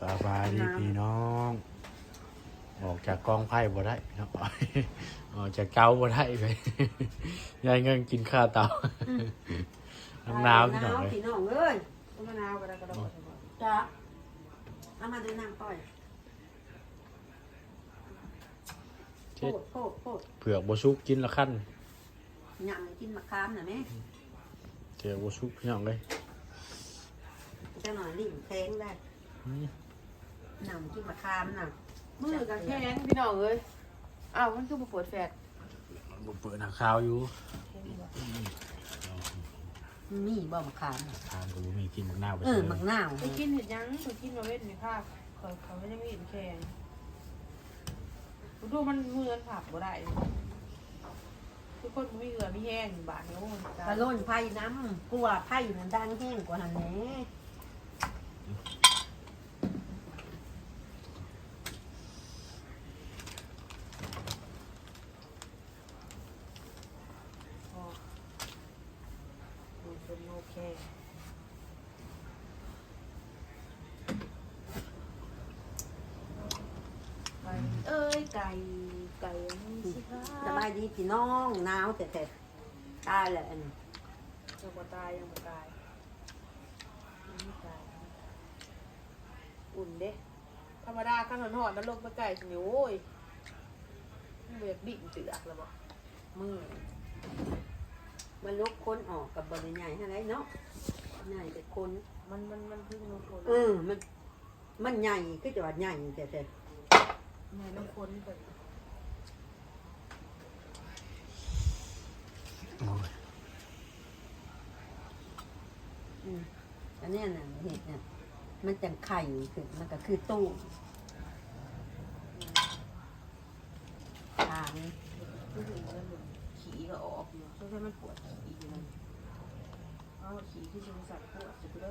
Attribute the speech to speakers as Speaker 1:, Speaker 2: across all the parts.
Speaker 1: สบายดีพี่น้องออกจากกองไพ่บ่ได้พี่น้องออกจากเกาบ่ได้ไปยายเงินกินข้าวเตาน้ำหนาวพี่น้องเลย
Speaker 2: พี่น้องเอ้ยมะนาวก็ได้จ้าเอามาดูน้ำต้อยโคตร
Speaker 1: เผือกบชุกกินละขั้น
Speaker 2: หยั่งกินมะขามน่ะแม่
Speaker 1: เผือกบชุกพี่น้องเลย
Speaker 2: จะหน่อยลิ่งแข็งได้หยั่งกินมะขามน่ะ
Speaker 3: มือกับแข้งพี่น้องเอ้ยอ้าวมันคือมาปวดแฟด
Speaker 1: บ่เปิดหน้าข้าวอยู่
Speaker 2: มีบ่มะขาม
Speaker 1: ทานก็บ่มีกินมักนาวไป
Speaker 2: เอ
Speaker 1: ซื้
Speaker 2: อ
Speaker 1: อ
Speaker 2: มะนาว
Speaker 3: ไปกินเห็ดยังไปกินมาเว้นในภาพเขาไม่ได้มีเห็นแข้งดูมันมือผับบ่ได้ทุกคนมีเหงื่อมีแห้งบาดนิ้ว
Speaker 2: กระโล่นไผ่น้ำกลัวไผ่มันดังแห้งกว่าหันแหน่
Speaker 3: เป็นโอเคเอ้ยไก่สิคะ
Speaker 2: สบายดีพี่น้องหนาวแต่ตายแหละอันนี้
Speaker 3: ยังบ่ตายยังไม่ตายอุ่นเด้ธรรมดาขั้นหอนๆนั้นลงไปไก่สิโอ้ยเบียดบิ่งเตือกแล้วบ่
Speaker 2: มือมันลุกค้นออกกับบริใหญ่อะไรเนาะใหญ่แต่คน
Speaker 3: มันพึ่งน้ำฝน
Speaker 2: มันใหญ่ก็จะว่าใหญ่แต่
Speaker 3: แม่น้ำฝนเปิด
Speaker 1: โอ้ย
Speaker 2: อันนี้น่ะเห็ดเนี่ยมันจังไข่คือมันก็คือตู้ทาง
Speaker 3: ผู้หญิงแล้วมันขี่ก็ออกอยู่ช่วงที่มันปวดขี่อยู่นั่นเอาขี่ที่บริษัทปวดสุดเลย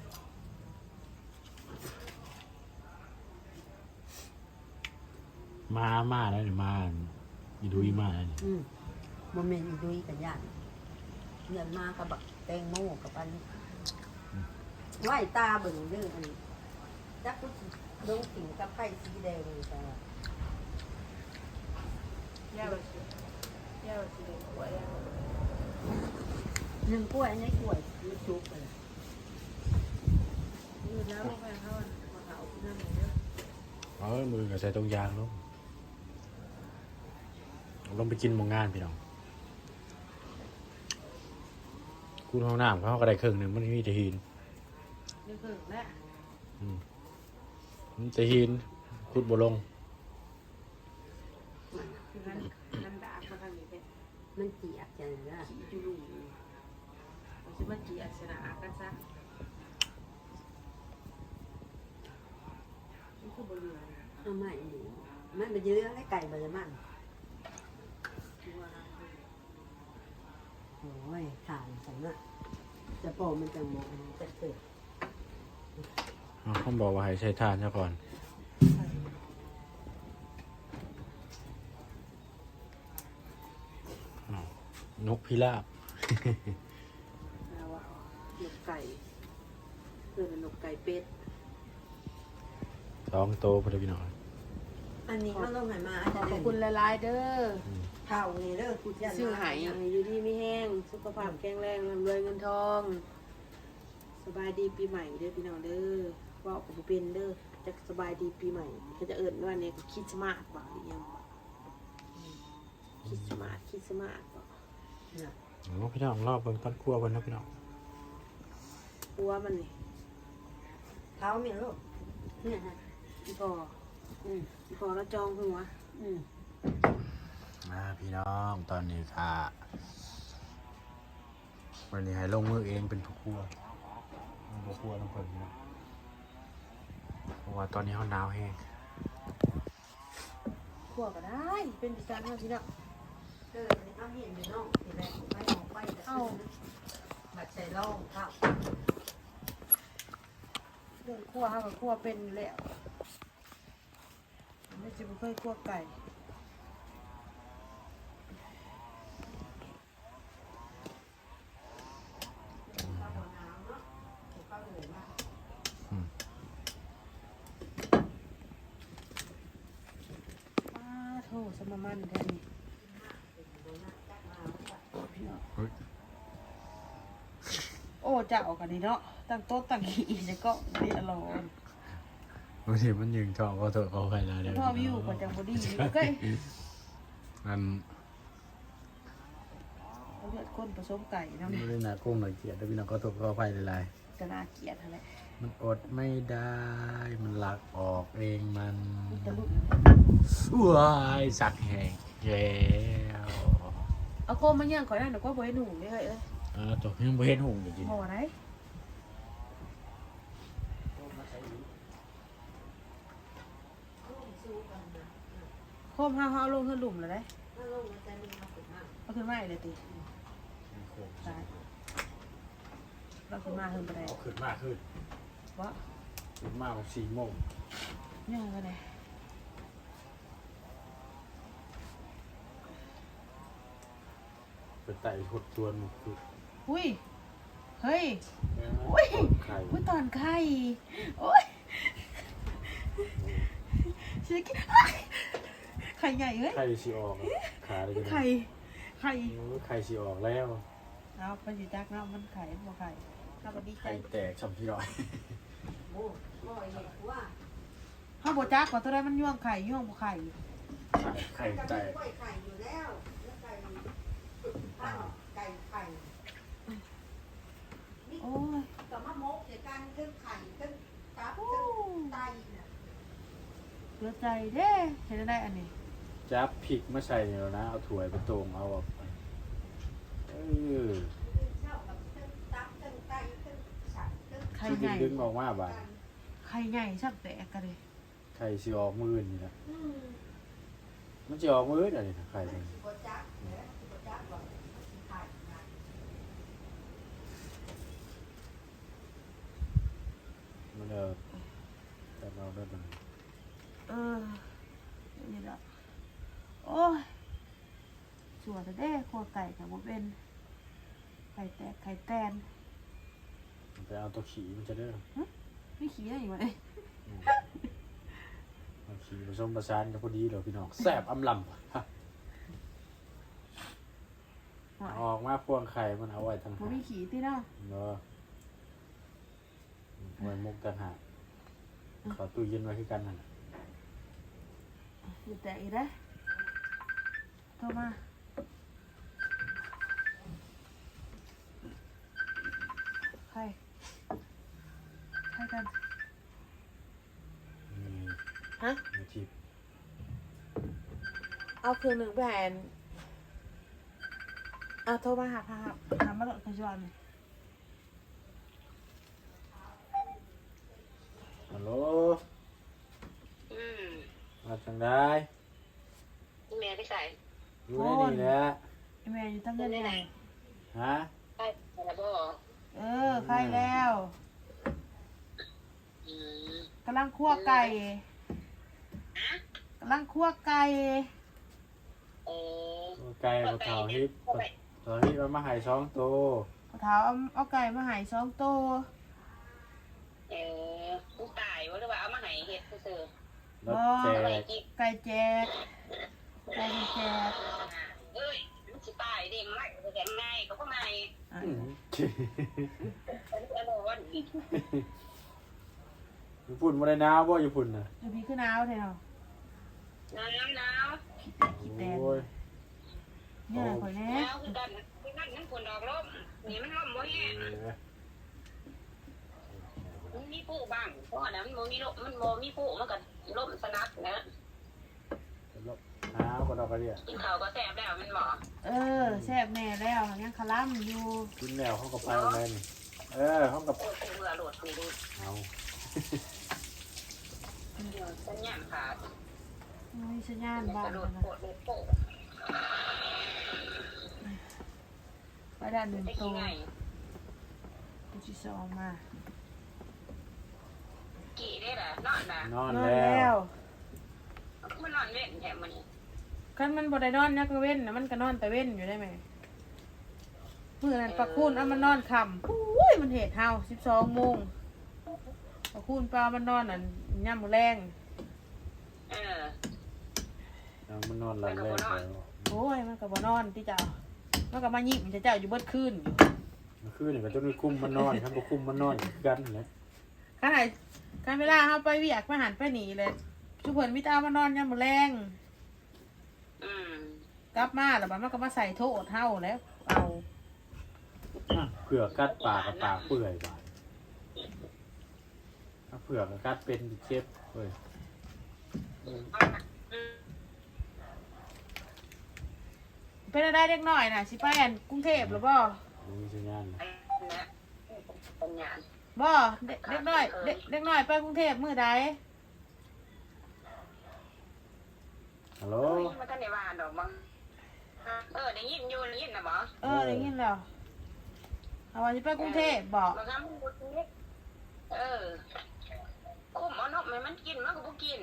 Speaker 1: มาแล้วนี่มาอีดุยมาแล้วนี่
Speaker 2: โมเมนต์อีดุยกับย่านเงินมากับบักแตงโมกับอันไหวตาเบิ่งเรื่องอันนี้จักกุลงสิงกับไผ่สีแดงแต่
Speaker 3: ย่าแบบสีเหลืองหัวย่า
Speaker 2: หนึ่งกล้วยในกล้วยมันชุบไปเลย
Speaker 3: ยืดแล้วลงไปเขามาเผาที่นั่นเลย
Speaker 1: มือก็ใส่ตรงยางลงไปกินหมองงานพี่น้องคุณห้องน้ำเขาก็ได้ครึ่งหนึ่งมันมีแต่หิน
Speaker 3: นี่คือแม่
Speaker 1: มันแต่หินขุดบ่ลง
Speaker 3: คือนั่นด่าเขาทางนี้เป็น
Speaker 2: มันเจียบจังเลย
Speaker 3: ขี่จุลุเราจะมาขี่อัศนากันซะนี่คือบริเวณ
Speaker 2: เอาใหม่ดูมันไปเยอะให้ไก่เบอร์มัน
Speaker 3: ตัว
Speaker 2: โอ้ยถ่านฉันอะจะโปมันจะมองจะเกิด
Speaker 1: เขาบอกว่าให้ใช้ทานซะก่อนนกพิราบ
Speaker 3: แล้วว่าหนกไก่เกิดหนกไก่เป็ด
Speaker 1: 2 โตพอดีพี่น้อง
Speaker 2: อันนี้เขาลงไหนมา
Speaker 3: ขอบคุณหลายๆเด้อ
Speaker 2: เท่านี่เด้อกูจะ
Speaker 3: ชื่อหายอยู่ที่ไม่แห้งสุขภาพแข็งแรงร่ำรวยเงินทองสบายดีปีใหม่เด้อพี่น้องเด้อว่าผมเป็นเด้อจะสบายดีปีใหม่ก็จะเอิญว่าเนี่ยคิดสมาร์ทบ่หรือยังคิดสมาร์ทบ่
Speaker 1: พี่น้องรอบเบิ่งต้นครัวเพิ่นนะพี่น้อง
Speaker 3: กลัวมันนี่
Speaker 2: เท้ามีลูกเนี่ยฮะ
Speaker 3: อีพอแล้วจองหัว
Speaker 1: พี่น้องตอนนี้ค่ะวันนี้ให้ลงมือเองเป็นผู้ครัวผู้ครัวน้ำเพิ่นนะเพราะว่าตอนนี้เขาหนาวแห้ง
Speaker 3: ขัวก็ได้เป็นประจำนะพี่น้อง
Speaker 2: เอาเห็นอยู่น้องทีแรกไม่ออกไปเอาบัดใส่ร่องข้าว
Speaker 3: เรื่องขัวเขากับขัวเป็นอยู่แล้วไม่จะไม่ค่อยขัวไก่มามันแท้นี่
Speaker 1: เฮ้ย
Speaker 3: โอ้เจ้ากันนี่เนาะตั้งโต๊ะตั้งขี้จะก็เรียร้อน
Speaker 1: บางทีมันยิงจอก็ถอดเขาไปแล้วเดี๋ยว
Speaker 3: พ่อวิวกว่าจังบอดี้โอเค
Speaker 1: มัน
Speaker 3: เขาเลือดข้นผสมไก่น้ำ
Speaker 1: ไม่ได้หนากุ้งหน่อยเกลียดแล้วพี่น้องก็ถอดเขาไปหลาย
Speaker 3: กระนาเกลียดอะไร
Speaker 1: ๆมันอดไม่ได้มันหลักออกเองมัน
Speaker 3: ตะลุก
Speaker 1: ว้ายสักแหงแล้ว
Speaker 3: เอาโคมมาย่างก่อนนะเดี๋ยวก็บ่ให้หนุ่มเลยเอ้ย
Speaker 1: ตัวยังไม่เห็นหุ่งจริง
Speaker 3: พอไหนโคมห้าเอาลงขึ้นหลุมเลยได้
Speaker 2: ถ้าลงมาใจมันมาขึ้นมา
Speaker 3: เอาขึ้นมาอีกเลยติตายเราขึ้นมาขึ้นไปได้
Speaker 1: เอาขึ้นมากขึ้น
Speaker 3: วะ
Speaker 1: ขึ้นมากกว่า4 โมง
Speaker 3: ย่างไปไหน
Speaker 1: ไปไต่หดชวนคือ
Speaker 3: อุ้ยเฮ้ย
Speaker 1: ไข่
Speaker 3: อุ้ยตอนไข่โอ้ยชิคกี้ไข่ใหญ่เฮ้ย
Speaker 1: ไข่สีออกขาเลยกัน
Speaker 3: ไข่ไข่
Speaker 1: ไข่สีออกแล้ว
Speaker 3: เอาไปอยู่จักเนาะมันไข่บ่ไข่ถ้าบ่ดีใจ
Speaker 1: ไข่แตกช้ำที่ร้อย
Speaker 2: โอ้พ่อเห็นว่า
Speaker 3: ถ้าบ่จักว่าตัวใดมันย่วงไข่ย่วงบ่ไข่
Speaker 1: ไข่แตก
Speaker 2: ไข่ไข่อยู่แล้วแล้วไก่ข้าวไก่ไข่
Speaker 3: โอ้ย
Speaker 2: ก็มามกเดี๋ยวกันขึ้นไข่ขึ้นตับขึ้นไตน่ะ
Speaker 3: เสียใจเด้เห็นได้อันนี้
Speaker 1: จับพริกมาใส่แล้วนะเอาถ้วยไปตรงเอาออกไป
Speaker 2: ขึ้นเช่ากับขึ้นตับขึ้นไตขึ้นสัตว์ขึ้น
Speaker 3: ไข่
Speaker 1: ที่
Speaker 3: ใหญ่
Speaker 1: ดึงออกมาบาด
Speaker 3: ไข่ใหญ่ชักแตกกันเลย
Speaker 1: ไข่สีออกมือนี่นะ
Speaker 2: อืม
Speaker 1: มันจะออกมืออะไรนะไข่เนี่ย
Speaker 2: สิบจักเนี่ยสิบจักบอกสิไข่นะ
Speaker 1: มันแต่เราได้ตรงนี้
Speaker 3: นี่ละโอ้ยสวยแต่เด้ครัวไก่กับบ่เป็นไข่แตกไข่แตน
Speaker 1: ไปเอาตัวขี่มันจะได้
Speaker 3: ไม่ขี้ได้อยู่ไหม
Speaker 1: เอาขี่ผสมประสานกับพอดีเลยพี่น้องแซ่บอำลำฮะออกมาพวงไข่มันเอาไว้ทาง
Speaker 3: บ่
Speaker 1: หาง
Speaker 3: มีขี้ที่เนาะ
Speaker 1: เนาะไว้มุกต่างหากขอตู้เย็นไว้คือกันนั่นน่ะ
Speaker 3: อยู่แต่อีกได้โทรมาใครกัน
Speaker 1: นี่
Speaker 3: ฮะ
Speaker 1: มีทิพ
Speaker 3: เอาคืนหนึ่งแผ่นเอาโทรมาหามาหลอดขจร
Speaker 1: ฮัลโหล
Speaker 4: อืม
Speaker 1: มาจังได้
Speaker 4: แม่ไปใส่
Speaker 1: อยู่ในนี่แหละ
Speaker 3: ไอแม่อยู่ตั้งเงินไหน
Speaker 1: ฮะ
Speaker 4: ใช่แล้วบ่
Speaker 3: ใครแล้ว
Speaker 4: อืม
Speaker 3: กำลังคั่วไก่กำลังคั่วไก่
Speaker 4: เออ
Speaker 1: ไก่ปลาเผาฮิปปลาเผาฮิปเอามาใหาย2 ตัว
Speaker 3: เท้าเอาไก่มาใหาย2 ตัว
Speaker 4: เออกูตายว่าหรือว่าเอามาให้เฮ็ดซื่อ
Speaker 1: แล้วแจ
Speaker 4: ๆอะไร
Speaker 1: ก
Speaker 4: จิก
Speaker 3: ไก่แจกไก่แจก
Speaker 4: เอ้ยมันสิตายดิไม่แข็งง่ายก็บ่ง่าย
Speaker 3: อ่ะ
Speaker 1: อืม
Speaker 4: อันนั้น
Speaker 1: ญี่ปุ่นมาได้หนาวบ่ญี่ปุ่นน่ะ
Speaker 3: อยู่พี่ขึ้นหนาวเถอะเนาะ
Speaker 4: หนาว
Speaker 3: ขี้แตน
Speaker 1: โอ้ย
Speaker 3: เนี่ยข่อยแน่
Speaker 4: หนาวคือกันคือนั่นมันฝนดอกลมนี่มันลมบ่แห้งมันมีผู้บ้างเพราะนั้นมันบ่มีลมมันบ่มีผู้มันก็ลมสนับนะ
Speaker 1: หนาวก็ดอกกระเดีย
Speaker 4: กินข้าวก็แซ่บแล้วมันบ่
Speaker 3: แซ่บแน่แล้วยังคลั่มอยู่
Speaker 1: กินแล้วเขาก็ไปอะไรนี่เขากับ
Speaker 4: โอ้ยเบื่อโหลดนี่ดู
Speaker 1: เอา
Speaker 4: สัญญาณขาด
Speaker 3: มีสัญญาณ
Speaker 4: ก
Speaker 3: บ้าง
Speaker 4: ระโดด
Speaker 3: นะ
Speaker 4: โผล่โดดโผล่
Speaker 3: ไปด้านหนึ่ง
Speaker 4: ได้
Speaker 3: ตั
Speaker 4: กี่
Speaker 3: ว
Speaker 4: ไง
Speaker 3: ตัวที่สองมา
Speaker 4: กี่ได้ล่ะนอนล่ะ
Speaker 1: นอน
Speaker 3: นอน
Speaker 1: แล้
Speaker 3: แล้ว ว
Speaker 4: มันนอนเว้นแถมมันนี่
Speaker 3: คันมันบ่ได้นอนยักเว้นนะมันก็นอนแต่เว้นอยู่ได้ไหมมื้อนั้นปลาคูนเอามันนอนค่ำอุ้ยมันเหตุเฮา12 โมงปลาคูนปลามันนอนย่ำมื้อแรง
Speaker 4: เออ
Speaker 1: นมันนอนหลับแรกแล้ว
Speaker 3: โอ้ยมันก็บ่นอนที่เจ้ามันก็มายิ้มเจ้าอยู่เบิดคืนอยู่
Speaker 1: มันคือนี่ก็ต้องคุมมันนอนครับบ่คุมมันนอนกันแหละ
Speaker 3: ขนาดการเวลาเฮาไปเวียกมาหันไปหนีเลยชุเพิ่นมีแต่เอามานอนยามมื้อแลง
Speaker 4: อืม
Speaker 3: กลับมาแล้วบัดมันก็มาใส่โทษเฮาแล้วเอา
Speaker 1: เผื่อกัดปากกับปากเปื่อยบาดถ้าเผื่อกับกัดเป็นเจ็บเว้ย
Speaker 3: เป็นอะไรเด็กน้อยน่ะสิไปอันกรุงเทพหรือบ่
Speaker 1: มันมีสัญญาณนะ
Speaker 4: ไอ้เนี่ยปัญญา
Speaker 3: บ่เด็กน้อยเด็กน้อยไปกรุงเทพมื้อใด
Speaker 1: ฮัลโหล
Speaker 4: มันก็ในบ้านดอกมั้งได้ยินอยู่ได้ยินนะบ่
Speaker 3: ได้ยินแล้วเอาว่าสิไปกรุงเทพบ่
Speaker 4: บางครั้งมันบ่กินคุ้มเอานกมันกินมันก็บ่กิน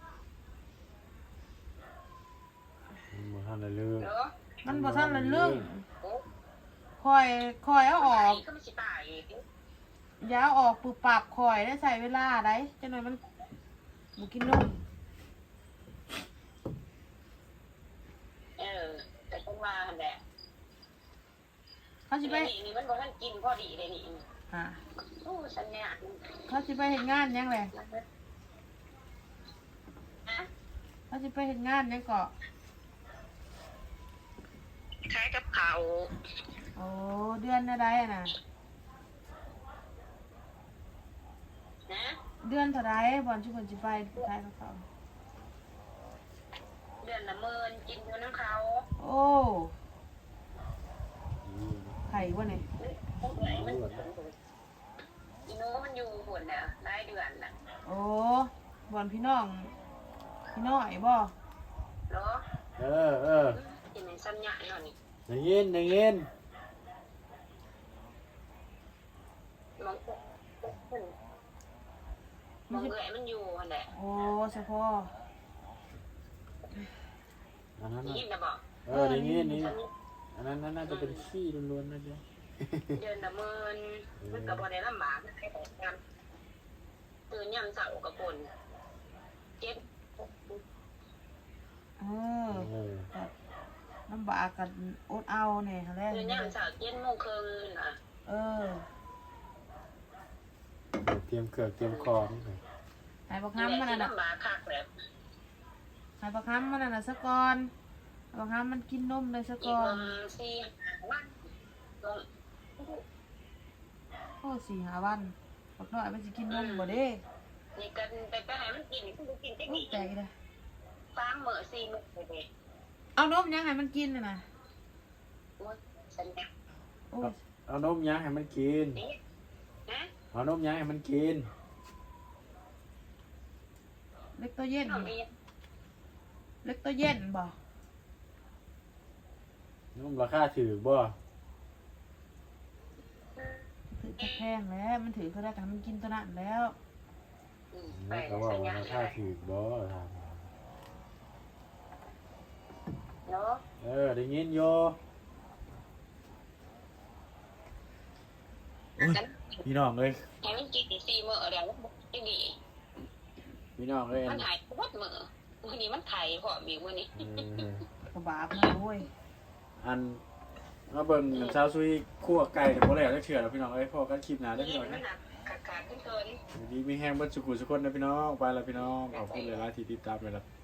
Speaker 1: มันทันได้เรื่อง
Speaker 4: เนาะ
Speaker 3: มันบ่ทันละเรื่อง
Speaker 4: โอ้
Speaker 3: คอยเอาออก
Speaker 4: ก็มันสิตาย
Speaker 3: อย่าเอาออกปึบปับคอยได้ใส่เวลาได้จังหน่อยมันบ่กินนม
Speaker 4: แต่ต้องมาแหละ
Speaker 3: เขาสิไป
Speaker 4: นี่มันบ่ทันกินพอดีเลยนี่
Speaker 3: อ่า
Speaker 4: โอ้สัญญาณ
Speaker 3: เขาสิไปเฮ็ดงานหยังแหละ
Speaker 4: นะ
Speaker 3: เขาสิไปเฮ็ดงานหยังก็
Speaker 4: คล้ายกับเขาว
Speaker 3: โอ้เดือนอะไรน่ะ
Speaker 4: นะ
Speaker 3: เดือนเท่าไรบ่อนชุเพิ่นสิไปขายกับเขา
Speaker 4: เดือนละ10,000กินอยู่น้ำเขา
Speaker 3: โอ้ไข่บ่เนี่ย
Speaker 4: มันอีโน้มันอยู่หุ่นน่ะได้เดือนน่ะ
Speaker 3: โอ้บ่อนพี่น้องพี่น้อยบ่
Speaker 4: เนาะ
Speaker 1: เออ
Speaker 4: กินในสัญญาณเนาะนี่
Speaker 1: ได้ยินได้ยิน
Speaker 4: มองมองเอื่อยมันอยู่หั่นแหละ
Speaker 3: โอ้เฉพาะ
Speaker 1: อันนั้น
Speaker 4: ได้
Speaker 1: น่ะ
Speaker 4: ยินนะบอก
Speaker 1: ได้ยินนี่อันนั้นน่าจะเป็นขี้ล้วนๆนะเดี๋ยว
Speaker 4: เดือนละ10,000มันก็บ่ได้ลำบากนะให้แต่กันตื่นยามเช้ากับคนเจ็บ
Speaker 3: เออก็ลำบากกันอดเอาเนี่ยแหละ
Speaker 4: ตื่นยามเช้า7:30นน่ะ
Speaker 3: เออ
Speaker 1: เตรียมเกือกเตรียมคอนี่เลย
Speaker 3: หายประคำมันน่ะ
Speaker 4: ลำบากคักแบบ
Speaker 3: หายประคำมันน่ะซะก่อนประคำมันกินนมเลยซะ
Speaker 4: อี
Speaker 3: ก่
Speaker 4: ก
Speaker 3: อน
Speaker 4: 4-5 วันลง
Speaker 3: โอ้4-5 วันบักน้อยมันสิกินนมบ่เด้
Speaker 4: นี่กันไปให้มันกินนี่มันกินจัง
Speaker 3: โอ้
Speaker 4: นี้
Speaker 3: ใจเลย
Speaker 4: 3 มื้อ4 มื้อเด้
Speaker 3: เอานมยังให้มันกินน่ะ
Speaker 4: โอ้ยสัญญา
Speaker 3: โอ้ย
Speaker 1: เอานมยักษ์ให้มันกิน
Speaker 4: นี่นะ
Speaker 1: เอานมยักษ์ให้มันกิน
Speaker 3: เล็กตัวเย็น
Speaker 4: น้องมี
Speaker 3: เล็กตัวเย็นบ่
Speaker 1: นมราคาถือบ่
Speaker 3: ถือแพงแล้วมันถือเขาได้กันมันกินตัวนั้นแล้ว
Speaker 4: ไป
Speaker 1: เขาว่า
Speaker 4: สัญญา
Speaker 1: ราคาถือบ่ถาม
Speaker 4: เนาะ
Speaker 1: ได้ยินโย พี่น้องเลย
Speaker 4: ให้มันกิน4 มื้อแล้วจังดี
Speaker 1: พี่น้องเลย
Speaker 4: มันหายวัดมื้อมื้อนี้มันไข่พร้อมอีกมื้อนี้
Speaker 3: กระบาดนะโว้ย
Speaker 1: อันมาเบิ่งชาวซุยคั่วไก่แต่บ่แล้วได้เชื่อแล้วพี่น้องเอ้ยพอกันคลิปหน้าได้อพี่น้อง
Speaker 4: มั
Speaker 1: นะ
Speaker 4: นหนักขาดๆเกิน
Speaker 1: วันนี้มีแห้งเบิดสุขุสุคนนะพี่น้องไปแล้วพี่น้องขอบคุณหลายๆที่ติดตามเลยล่ะ